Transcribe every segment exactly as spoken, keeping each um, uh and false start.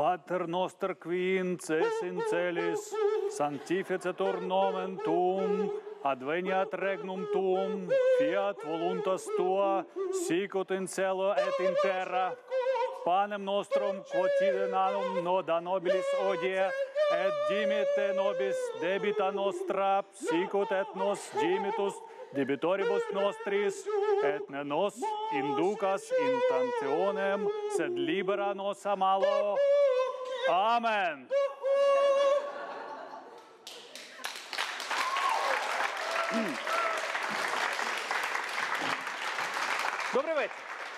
Pater noster qui inces in celis, sanctificetur nomen tuum, adveniat regnum tuum, fiat voluntas tua, sicut in cielo et in terra. Panem nostrum quotidianum da nobilis odie, et dimitte nobis debita nostra, sicut et nos dimitus debitoribus nostris, et ne nos inducas in tentationem, sed libera nos a malo. Amen. Добрий вечір.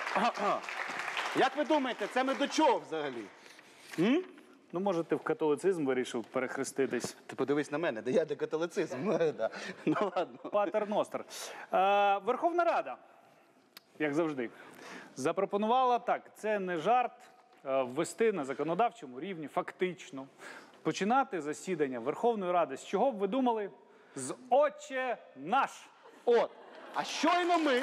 Як ви думаєте, це ми до чого взагалі? М? Ну, може, ти в католицизм вирішив перехреститись. Ти подивись на мене, де я де католицизм. Ну ладно. Патер Ностер. Е, Верховна Рада, як завжди, запропонувала так, це не жарт, е, ввести на законодавчому рівні, фактично, починати засідання Верховної Ради. З чого б ви думали? З «Отче наш». От, а щойно ми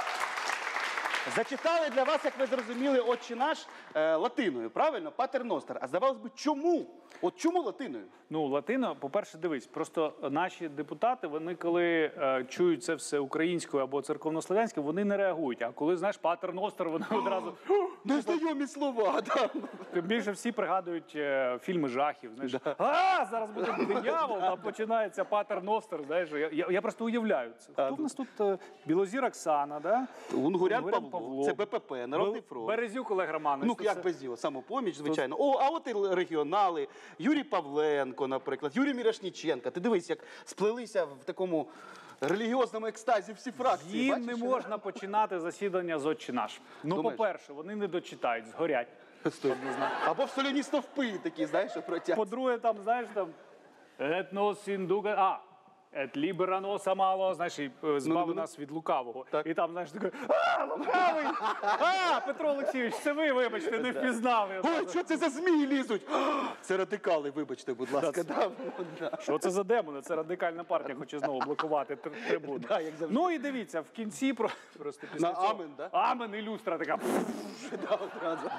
зачитали для вас, як ви зрозуміли, «Отче наш» е, латиною, правильно? Патер Ностер. А здавалось би, чому? От чому латиною? Ну, латино, по-перше, дивись, просто наші депутати, вони коли е, чують це все українською або церковнослов'янською, вони не реагують. А коли, знаєш, Патер Ностер, вони одразу... Незнайомі слова, так. Тим більше всі пригадують е, фільми жахів, знаєш. А, зараз буде диявол, а починається Патер Ностер, знаєш. Я, я, я просто уявляю це. Хто в нас тут? Е, Білозір Оксана, да? Унгурян Павло, Павло, це Б П П, Народний фронт. Березюк Олег Романович. Ну, як без діла, самопоміч, звичайно. О, а от і регіонали, Юрій Павленко, наприклад, Юрій Мірошніченко. Ти дивись, як сплелися в такому релігіозному екстазі всі фракції. Їм бачиш? не можна починати засідання з «Отче наш». Ну, по-перше, вони не дочитають, згорять. Стой. Або в соляні стовпи такі, знаєш, що протягнуть. По-друге, там, знаєш, там, «Et nos induca...» А, «Et libera nos a malo», знаєш, і е, збави нас від лукавого. Так. І там, знаєш, такий, а, лукавий! А, Петро Олексійович, це ви, вибачте, не впізнав. Ой, що це за змії лізуть? Це радикали, вибачте, будь ласка. Да, да. Що це за демони? Це радикальна партія хоче знову блокувати тр- трибуну. Да, як завжди. Ну і дивіться, в кінці про- просто після На цього... амен, да? Амен і люстра така. Да, одразу.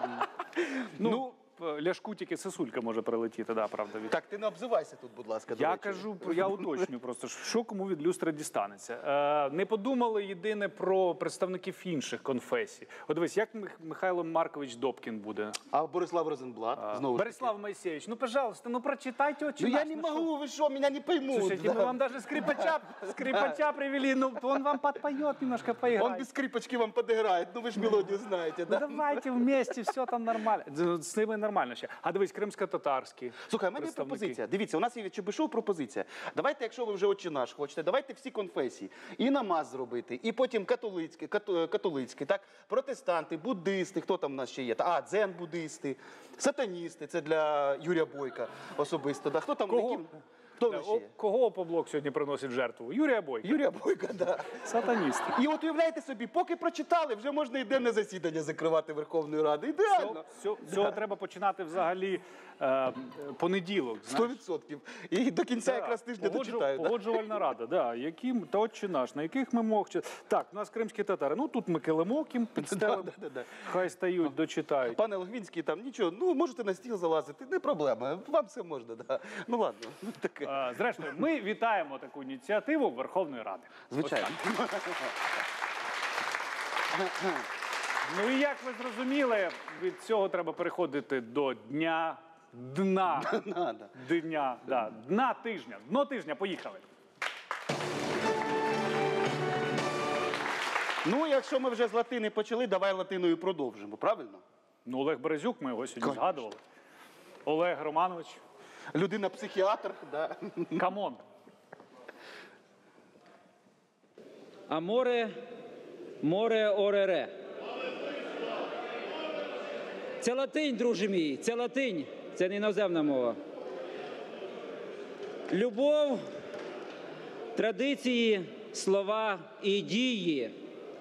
Ну, Ляшку тільки сосулька може прилетіти, да, правда. Від... Так, ти не обзивайся тут, будь ласка. до Я речі. кажу, я уточню просто, що кому від люстри дістанеться. Е, не подумали єдине про представників інших конфесій. От дивись, як Мих- Михайло Маркович Добкін буде? А Борислав Розенблат, знову ж таки. Борислав Моисеевич, ну, пожалуйста, ну прочитайте «Отче Ну наш». я не ну, що? могу, вы что, меня не поймут. Слушайте, да. мы вам даже скрипача, скрипача привели, ну, он вам подпоет немножко, поиграет. Он без скрипочки вам подыграет, ну вы же мелодию знаете, Ну, да? давайте вместе, все там нормально. З ними нормально ще. А дивись, кримсько-татарський. Слухай, у мене є представники. пропозиція. Дивіться, у нас є від Чебишов пропозиція. Давайте, якщо ви вже «Отче наш» хочете, давайте всі конфесії. І намаз зробити, і потім католицькі, кату- католицькі, так? Протестанти, буддисти, хто там у нас ще є? А, дзен-буддисти, сатаністи, це для Юрія Бойка особисто. Да? Хто там? Кого? Які... Хто в нас ще О, є? кого Опоблок сьогодні приносить в жертву? Юрія Бойка. Юрія Бойка, да. Сатаніст. І от уявляєте собі, поки прочитали, вже можна і денне засідання закривати Верховної Ради. Ідеально. Цього да. треба починати взагалі е, понеділок. Сто відсотків. І до кінця якраз тижня Погоджу- дочитаю. Да? Погоджувальна рада, да. Яким та «Отче наш», на яких ми мог чи- Так, у нас кримські татари. Ну тут ми килимок їм підстелимо. Да, да, да. Хай стають, дочитають. Пане Логвинський, там нічого, ну можете на стіл залазити, не проблема, вам все можна. Да. Ну ладно, ну, таке. Е, Зрештою, ми вітаємо таку ініціативу Верховної Ради. Звичайно. Ну і як ви зрозуміли, від цього треба переходити до дня дна. Надо. Дня, да, дна тижня. Дно тижня, поїхали. Ну, якщо ми вже з латини почали, давай латиною продовжимо, правильно? Ну, Олег Березюк, ми його сьогодні Конечно. згадували. Олег Романович, Людина-психіатр, да. камон. Аморе, море, орере. Це латинь, друже мій, це латинь, це не іноземна мова. Любов, традиції, слова і дії.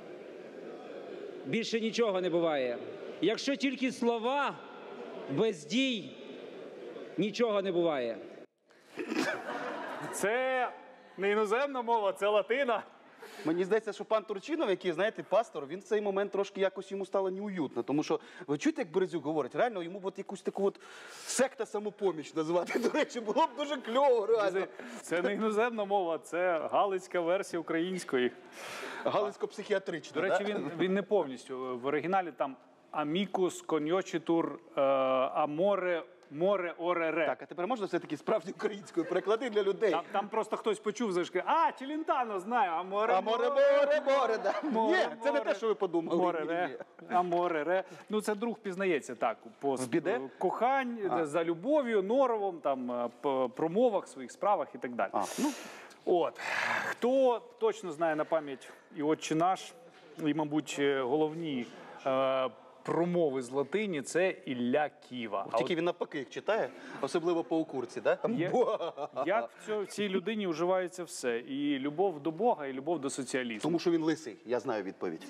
Більше нічого не буває. Якщо тільки слова, без дій нічого не буває. Це не іноземна мова, це латина. Мені здається, що пан Турчинов, який, знаєте, пастор, він в цей момент трошки якось йому стало неуютно. Тому що, ви чуєте, як Березюк говорить, реально йому от якусь таку от секта самопоміч назвати, до речі, було б дуже кльово, реально. Це, це не іноземна мова, це галицька версія української. Галицько-психіатрична, До речі, да? він, він не повністю. В оригіналі там амікус, коньочитур, е, аморе, море, оре, ре. Так, а тепер можна все-таки справді українською переклади для людей? Там, там просто хтось почув, зашки, а, Челентано, знаю, а море, А море, море, море, да. Море, Ні, це не море. те, що ви подумали. Море, Ні, ре, ні. а море, ре. Ну, це друг пізнається так, по В біде? кохань, за любов'ю, норовом, там, е, по промовах, своїх справах і так далі. А, ну, От. Хто точно знає на пам'ять і «Отче наш», і, мабуть, е, головні е, промови з латині – це Ілля Ківа. А тільки він навпаки їх читає, особливо по укурці, да? Є- як в, цьо- в цій людині вживається все? І любов до Бога, і любов до соціалізму. Тому що він лисий, я знаю відповідь.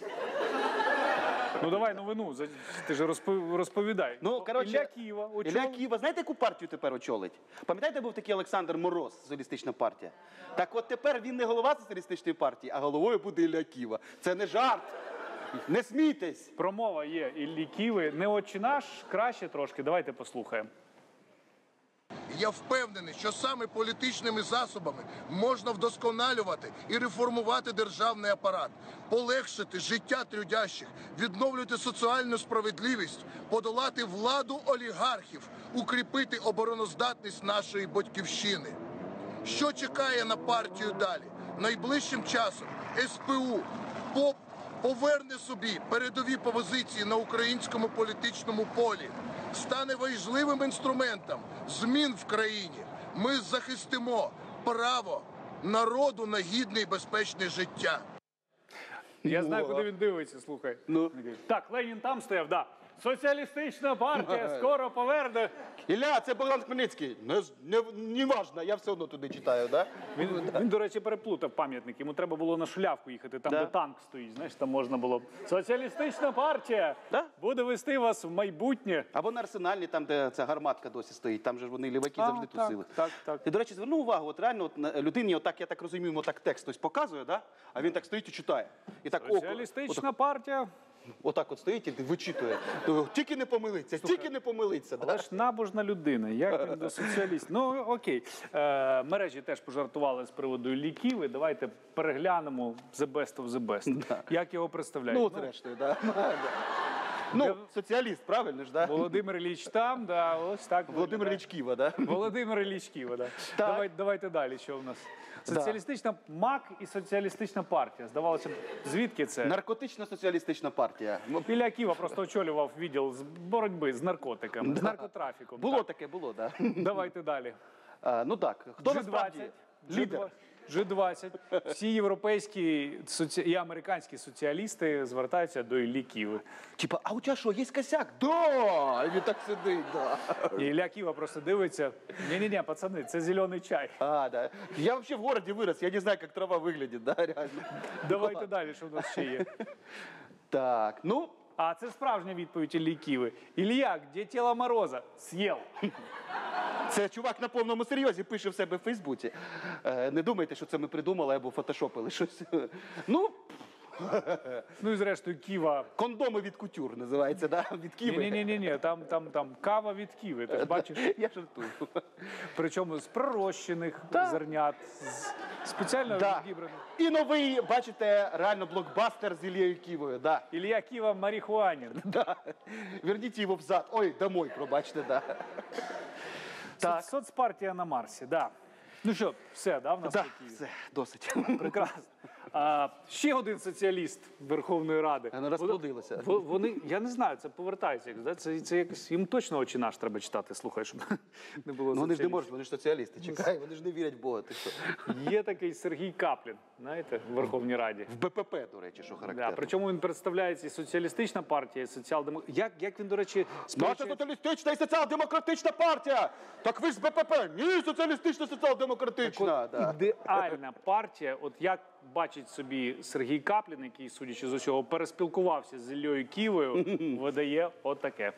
Ну давай новину, за- ти ж розпов- розповідай. Ну, коротше, Ілля Ківа, очолив- Ілля Ківа, знаєте, яку партію тепер очолить? Пам'ятаєте, був такий Олександр Мороз, соціалістична партія? Так от тепер він не голова соціалістичної партії, а головою буде Ілля Ківа. Це не жарт. Не смійтесь. Промова є Іллі Ківи. Не «Отче наш», краще трошки. Давайте послухаємо. Я впевнений, що саме політичними засобами можна вдосконалювати і реформувати державний апарат, полегшити життя трудящих, відновлювати соціальну справедливість, подолати владу олігархів, укріпити обороноздатність нашої батьківщини. Що чекає на партію далі? Найближчим часом ес пе у ПОП поверне собі передові позиції на українському політичному полі, стане важливим інструментом змін в країні. Ми захистимо право народу на гідне і безпечне життя. Я знаю, О. куди він дивиться, слухай. Ну. Так, Ленін там стояв, да. Соціалістична партія скоро поверне. Ілля, це Богдан Хмельницький. Не, не, не важно, я все одно туди читаю, да? Він, він, до речі, переплутав пам'ятник. Йому треба було на Шулявку їхати, там, Да. де танк стоїть. Знаєш, там можна було. Соціалістична партія Да. буде вести вас в майбутнє. Або на Арсеналі, там, де ця гарматка досі стоїть, там же ж вони ліваки А, завжди так, тусили. так, так. І, до речі, зверну увагу, от реально от, на- людині, отак, я так розумію, йому так текст хтось показує, да? А він так стоїть і читає. І так око, Соціалістична партія. отак от стоїть і вичитує. То Тільки не помилиться, тільки не помилиться. Але Да? ж набожна людина, як він до соціалістів. Ну, окей. Е, мережі теж пожартували з приводу ліків. Давайте переглянемо the best of the best. Як його представляють? Ну, от зрештою, да. Ну, соціаліст, правильно ж, да? Володимир Ілліч там, да, ось так. Володимир виглядає. Ілліч Ківа, да? Володимир Ілліч Ківа, да. Так. Давай, давайте далі, що в нас? Соціалістична МАК і соціалістична партія. Здавалося б, звідки це? Наркотично-соціалістична партія. Ну, Ілля Ківа просто очолював відділ з боротьби з наркотиками, з наркотрафіком. Було Так. таке, було, да. Давайте далі. А, ну так, хто насправді лідер? Джи двадцять. Всі європейські соці... і американські соціалісти звертаються до Іллі Ківи. Типа, а у тебе що, є косяк? Да! І він так сидить, да. І Ілля Ківа просто дивиться. Ні-ні-ні, пацани, це зелений чай. А, да. Я вообще в городе вырос, я не знаю, как трава выглядит, да, реально. Давайте далі, що в нас ще є. Так, ну, А це справжня відповідь Іллі Ківи. Ілля, де тіло Мороза? З'їв. це чувак на повному серйозі пише в себе в Фейсбуці. Е, не думайте, що це ми придумали або фотошопили щось. Ну, Ну і зрештою Ківа. кондоми від кутюр називається, да? Від Киви. Ні-ні-ні, там, там, там кава від Ківи, ти ж бачиш? Я жартую. Причому з пророщених зернят, з спеціально Да. відібраних. І новий, бачите, реально блокбастер з Ілією Ківою, да. Ілля Ківа марихуанін. Да. Верніть його взад. Ой, домой, пробачте, да. Так. Соцпартія на Марсі, да. Ну що, все, да, в нас Да, такі? все, досить. Прекрасно. А, ще один соціаліст Верховної Ради. Вона розплодилася. Во- Вони, я не знаю, це повертається. якось, да? Це, це якось, їм точно «Отче наш» треба читати, слухай, щоб не було Ну, вони ж не соціалістів. можуть, вони ж соціалісти, чекай, вони ж не вірять в Бога. Ти що? Є такий Сергій Каплін, знаєте, в Верховній Раді. В Б П П, до речі, що Да, характерно. причому він представляється і соціалістична партія, і соціал-демократ. Як, як він, до речі, Наша сперечається- соціалістична і соціал-демократична партія! Так ви ж з Б П П! Ні, соціалістична, соціал-демократична! Да. ідеальна партія, от як бачить собі Сергій Каплін, який, судячи з усього, переспілкувався з Іллею Ківою, видає отаке.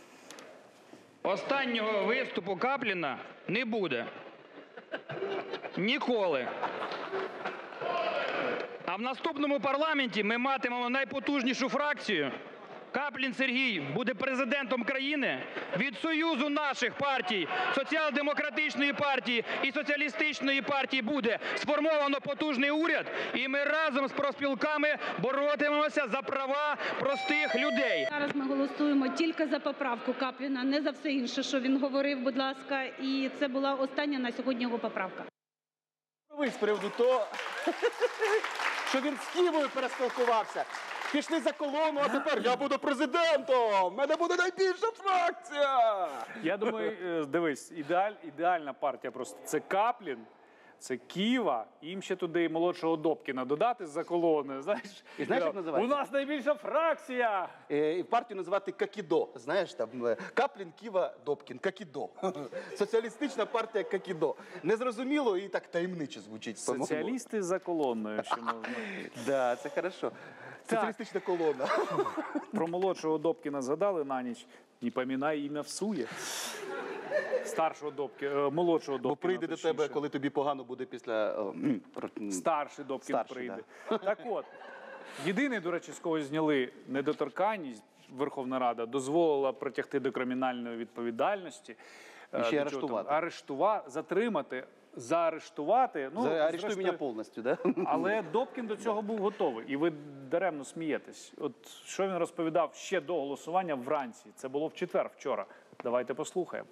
Останнього виступу Капліна не буде. Ніколи. А в наступному парламенті ми матимемо найпотужнішу фракцію. Каплін Сергій буде президентом країни. Від союзу наших партій, Соціал-демократичної партії і Соціалістичної партії буде сформовано потужний уряд, і ми разом з профспілками боротимемося за права простих людей. Зараз ми голосуємо тільки за поправку Капліна, не за все інше, що він говорив, будь ласка. І це була остання на сьогодні його поправка. Ви з приводу того, що він з Києвою переспілкувався. Пішли за колону, а тепер я буду президентом! В мене буде найбільша фракція! Я думаю, е, дивись, ідеаль, ідеальна партія просто. Це Каплін, це Ківа, їм ще туди і молодшого Добкіна додати з-за колони. Знаєш, І знаєш, як у називається? нас найбільша фракція! Е, І партію називати Какідо. Знаєш, там е, Каплін, Ківа, Добкін. Какідо. Соціалістична партія Какідо. Незрозуміло і так таємниче звучить. по-моєму. Соціалісти за колоною, ще можна. Да, це хорошо. Соціалістична колона. Про молодшого Добкіна згадали на ніч. Не помінай ім'я всує. Старшого Добкіна, молодшого Добкіна. Бо прийде до тебе, точніше. коли тобі погано буде після... о, м, про- м, Старший Добкін Старший, прийде. Так от, єдиний, до речі, з кого зняли недоторканність, Верховна Рада дозволила притягти до кримінальної відповідальності. І ще Е, до арештувати. чого там? Арештувати, затримати, заарештувати. Ну, За- Арестуй зрештою, мене повністю, да? але Добкін до цього був готовий. І ви даремно смієтесь. От що він розповідав ще до голосування вранці. Це було в четвер, вчора. Давайте послухаємо.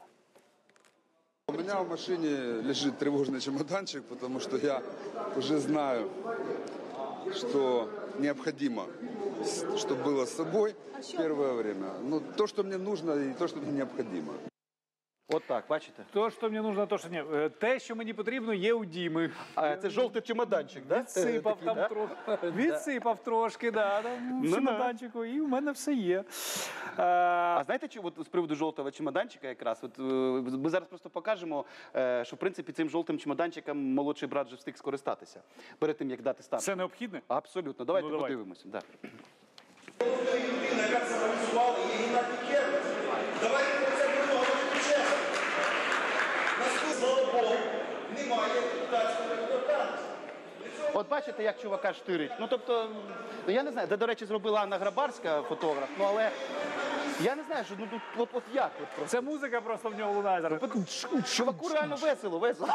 У меня в машине лежит тревожный чемоданчик, потому что я уже знаю, что необходимо, с- чтобы было с собой в первое время. Ну, то, что мне нужно, и то, что мне необходимо. От так, бачите? То, що мені нужно, то, що ні. Е, Те, що мені потрібно, є у Діми. А це жовтий чемоданчик, да? Відсипав Такий, там да? трошки. Відсипав трошки, да, там, в Ну, чемоданчику, і в мене все є. Е, А знаєте, чи от з приводу жовтого чемоданчика якраз? От, е, ми зараз просто покажемо, е, що в принципі цим жовтим чемоданчиком молодший брат вже встиг скористатися перед тим, як дати старт. Це необхідне? Абсолютно. Давайте Ну, давайте. подивимося. Да. Людина, яка це організувала, є Геннадій Кернес. Давайте про це будемо говорити чесно. Наступного, слава Богу, немає депутатської недоторканності. От бачите, як чувака штирить. Ну, тобто, ну, я не знаю, де, до речі, зробила Анна Грабарська, фотограф, ну, але я не знаю, що, ну, тут, от, от як? От, просто. Це музика просто в нього лунає зараз. Чуваку реально весело, весело.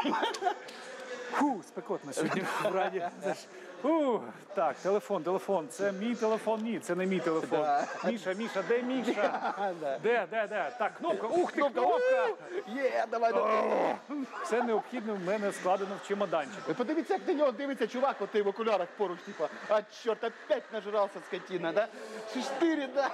Фу, спекотно сьогодні в Раді. Фу. Так, телефон, телефон. Це мій телефон, ні, це не мій телефон. Да. Міша, Міша, де Міша? Да. Де, де, де? Так, кнопка, ух ти, кнопка! Є, давай, давай. Все необхідне в мене складено в чемоданчик. Ви подивіться, як на нього дивиться чувак, от в окулярах поруч, типа, а чорт, опять нажирався скотина, да? Штирі, да?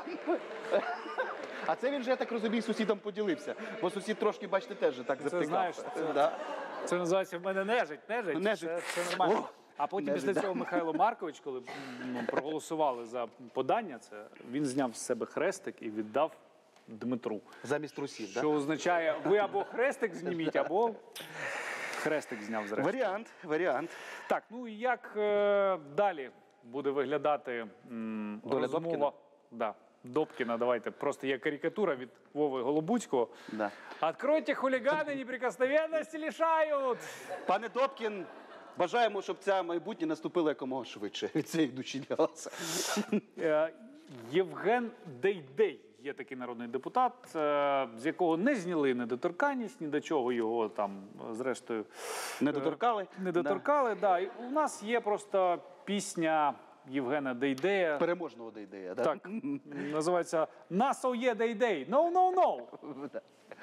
А це він же, я так розумію, сусідом поділився. Бо сусід трошки, бачите, теж так завтикав. знаєш, це- Да. Це називається в мене нежить, нежить. Нежить. Це, це нормально. О, А потім нежить, після да. цього Михайло Маркович, коли ну, проголосували за подання, це він зняв з себе хрестик і віддав Дмитру. Замість трусів, Що да? означає, ви або хрестик зніміть, або хрестик зняв зрештою. Варіант, варіант. Так, ну і як е, далі буде виглядати м, Доля розмова? Добкіна? Да. Добкіна, давайте. Просто є карикатура від Вови Голобуцького. Да. Откройте, хулиганы неприкосновенности лишають. Пане Добкін, бажаємо, щоб ця майбутнє наступило якомога швидше від цієї душі голоса. Е, Євген Дейдей є такий народний депутат, е, з якого не зняли недоторканність, ні до чого його там, е, зрештою, Не доторкали? не доторкали. Да. І у нас є просто пісня Євгена Дейдея. Переможного ідея, да? Так, називається «Насов є Дейдей». No, no, no. Да.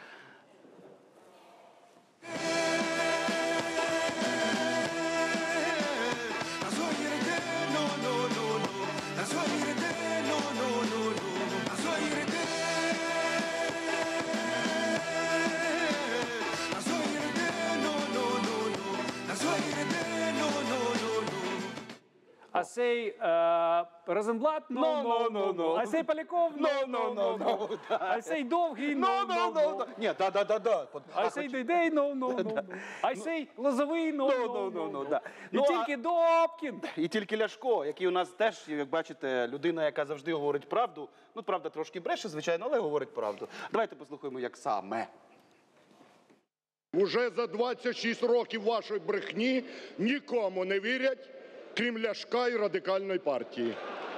А сей е, Розенблат? No, no, no, no. А сей Поляков? No, no, no, no. А сей Довгий? No, no, no. Ні, да, да, да, да. А сей Дейдей? No, no, no. А сей Лозовий? No, No, no, no, no, no. да. І Ну, а- тільки Добкін. І тільки Ляшко, який у нас теж, як бачите, людина, яка завжди говорить правду. Ну, правда, трошки бреше, звичайно, але говорить правду. Давайте послухаємо, як саме. Уже за двадцять шість років вашої брехні нікому не вірять, крім Ляшка і Радикальної партії.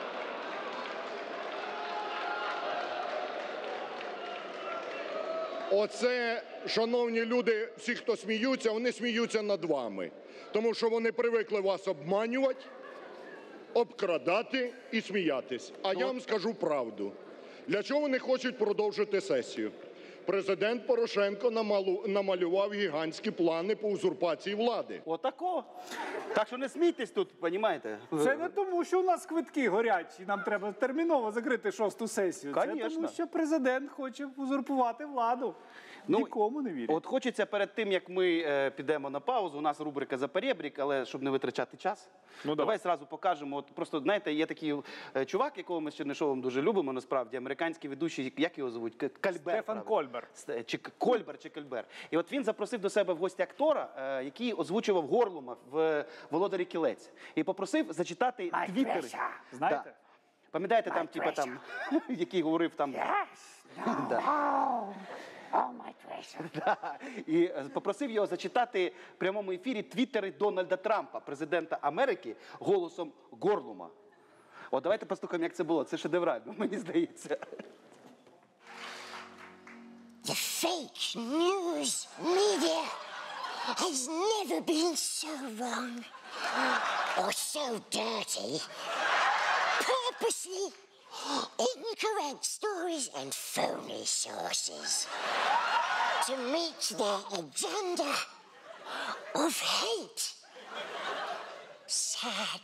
Оце, шановні люди, всі, хто сміються, вони сміються над вами. Тому що вони привикли вас обманювати, обкрадати і сміятись. А я вам скажу правду. Для чого вони хочуть продовжити сесію? Президент Порошенко намалу- намалював гігантські плани по узурпації влади. Отако. Так що не смійтесь тут, понімаєте? Це не тому, що у нас квитки горять, і нам треба терміново закрити шосту сесію. Це Конечно. тому, що президент хоче узурпувати владу. Ну, Нікому не вірять. От хочеться перед тим, як ми е, підемо на паузу, у нас рубрика «За перебрік», але щоб не витрачати час, Ну, давай. давай. зразу покажемо. От просто, знаєте, є такий е, чувак, якого ми з Чернишовим дуже любимо, насправді, американський ведучий, як його звуть? К- Кальбер. Стефан правильно? Кольбер. С- Чи К- Кольбер, чи Кольбер. І от він запросив до себе в гості актора, е, який озвучував Горлума в «Володарі кілець». І попросив зачитати твіттери. Знаєте? Да. Пам'ятаєте, там, типа, там, який говорив там... Да. Да. І е, попросив його зачитати в прямому ефірі твіттери Дональда Трампа, президента Америки, голосом Горлума. От давайте послухаємо, як це було. Це шедеврально, мені здається. The fake news media has never been so wrong or so dirty. Purposely incorrect stories and phony sources to meet their agenda of hate. Sad.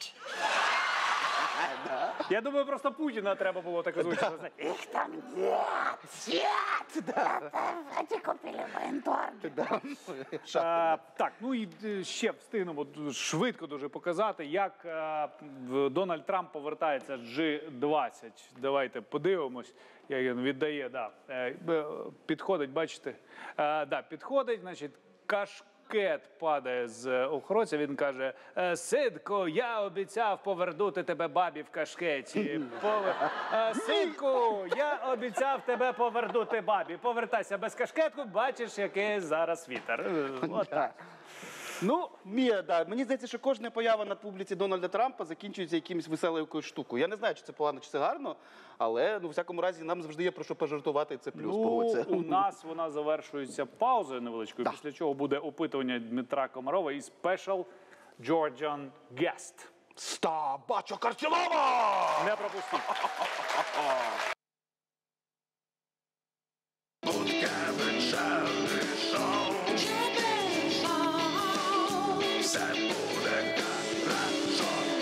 Я думаю, просто Путіна треба було так озвучити. Их там нет, нет. Эти комплименты. Е, Так, ну і е, ще встигнемо д- швидко дуже показати, як е, в- Дональд Трамп повертається з джі двадцять. Давайте подивимось, як він віддає. Да. Е, б- Підходить, бачите? Е, Да, підходить, значить, кашкет падає з охоронця. Він каже: «Е, Синку, я обіцяв повернути тебе бабі в кашкеті. Повер- Е, Синку, я обіцяв тебе повернути бабі. Повертайся без кашкетку, бачиш, який зараз вітер. Е, От так. Ну, Мія, да. Мені здається, що кожна поява на публіці Дональда Трампа закінчується якимось веселою якоюсь штукою. Я не знаю, чи це погано, чи це гарно, але ну, в всякому разі нам завжди є про що пожартувати, і це плюс. Ну, погодься. у нас вона завершується паузою невеличкою, після чого буде опитування Дмитра Комарова і Special Georgian Guest. Ста, бачу Карцілова! Не пропустіть.